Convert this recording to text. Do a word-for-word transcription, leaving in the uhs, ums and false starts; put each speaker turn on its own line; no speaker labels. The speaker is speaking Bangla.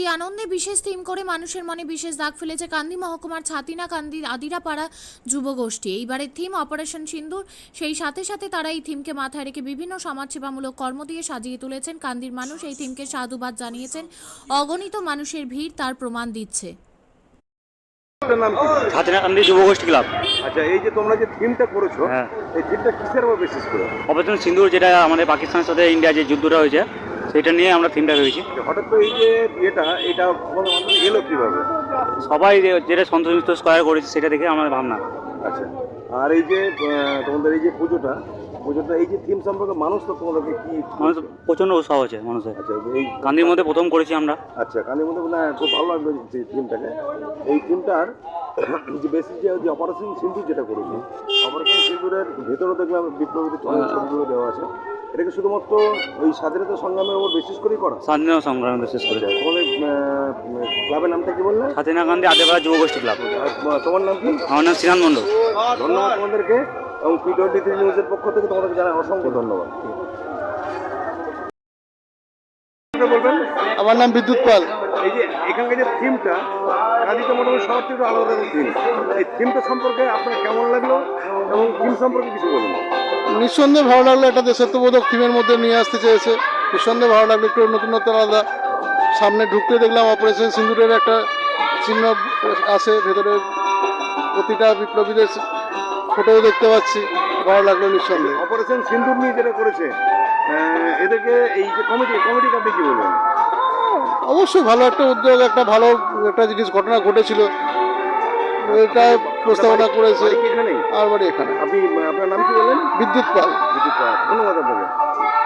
আনন্দে বিশেষ থিম করে মানুষের মনে বিশেষ দাগ ফেলেছে কান্দি মহকুমার ছাতিনা কান্দি আদিরাপাড়া যুবগোষ্ঠী। এইবারের থিম অপারেশন সিন্দুর। সেই সাথে সাথে তারা এই থিমকে মাথায় রেখে বিভিন্ন সমাজসেবামূলক কর্ম দিয়ে সাজিয়ে তুলেছেন। কান্দির মানুষ এই থিমকে সাধুবাদ জানিয়েছেন। অগণিত মানুষের ভিড় তার প্রমাণ দিচ্ছে।
ছাতিনা কান্দি যুবগোষ্ঠী ক্লাব।
আচ্ছা, এই যে তোমরা যে থিমটা করেছো,
হ্যাঁ,
এই থিমটা কিসের উপর বেসিস করে?
অপারেশন সিন্দুর, যেটা আমাদের পাকিস্তানের সাথে ইন্ডিয়ার যে যুদ্ধটা হয়েছে সেটা নিয়ে আমরা থিমটা ভেবেছি।
হঠাৎ করে এই যে এটা এটা তোমাদের মাধ্যমে এলো কিভাবে?
সবাই যে- যেটা সন্তোষ মিত্র স্কয়ার করেছে সেটা দেখে আমাদের ভাবনা।
আচ্ছা, আর এই যে আহ, তোমাদের এই যে পুজোটা পুজোটা এই যে থিম সম্পর্কে মানুষ তো তোমাদেরকে কি
মানুষ প্রচণ্ড উৎসাহ হচ্ছে মানুষের।
আচ্ছা, এই
কান্দির মধ্যে প্রথম করেছি আমরা।
আচ্ছা, কানের মধ্যে না খুব ভালো লাগবে যে থিমটাকে। এই থিমটার যে বেসিস যে যে অপারেশন সিন্দুর যেটা করেছে, অপারেশন সিন্দুরের ভেতরে দেখলাম বিপ্লবীদের ছবিগুলো দেওয়া আছে। এটাকে শুধুমাত্র ওই স্বাধীনতা সংগ্রামের উপর বিশেষ করেই করা?
স্বাধীনতা সংগ্রাম বিশেষ করে।
তোমাদের ক্লাবের নামটা কি বললে?
ছাতিনা কান্দি আদিবাসী যুবগোষ্ঠী ক্লাব।
আর তোমার নাম কি?
আমার নাম শ্রীনাথ মণ্ডল।
ধন্যবাদ তোমাদেরকে, এবং পি টোয়েন্টি থ্রি নিউজের পক্ষ থেকে তোমাদেরকে জানাই অসংখ্য ধন্যবাদ। বলবেন?
আমার নাম বিদ্যুৎ পাল।
এই যে এখানকার যে থিমটা, কাজীতে মোটামুটি সবার থেকে একটু আলাদা থিম, এই থিমটা সম্পর্কে আপনার কেমন লাগলো এবং থিম সম্পর্কে কিছু বলুন।
নিঃসন্দেহে ভালো লাগলো, একটা দেশাত্মবোধক থিমের মধ্যে নিয়ে আসতে চেয়েছে। নিঃসন্দেহে ভালো লাগলো, একটু নতুনত্ব আলাদা। সামনে ঢুকতে দেখলাম অপারেশন সিন্দুরের একটা চিহ্ন আছে, ভেতরে প্রতিটা বিপ্লবীদের ফটোও দেখতে পাচ্ছি। ভালো লাগলো নিঃসন্দেহে।
অপারেশন সিন্দুর নিয়ে যেটা করেছে আহ, এদেরকে এই যে কমিটি কমিটিকে আপনি কি বলবেন?
অবশ্যই ভালো একটা উদ্যোগ, একটা ভালো একটা জিনিস ঘটনা ঘটেছিল, এটা প্রস্তাবনা করেছে।
এখানেই
আর বাড়ি এখানে।
আপনি আপনার নাম কি বললেন?
বিদ্যুৎ পাল।
বিদ্যুৎ পাল। ধন্যবাদ আপনাকে।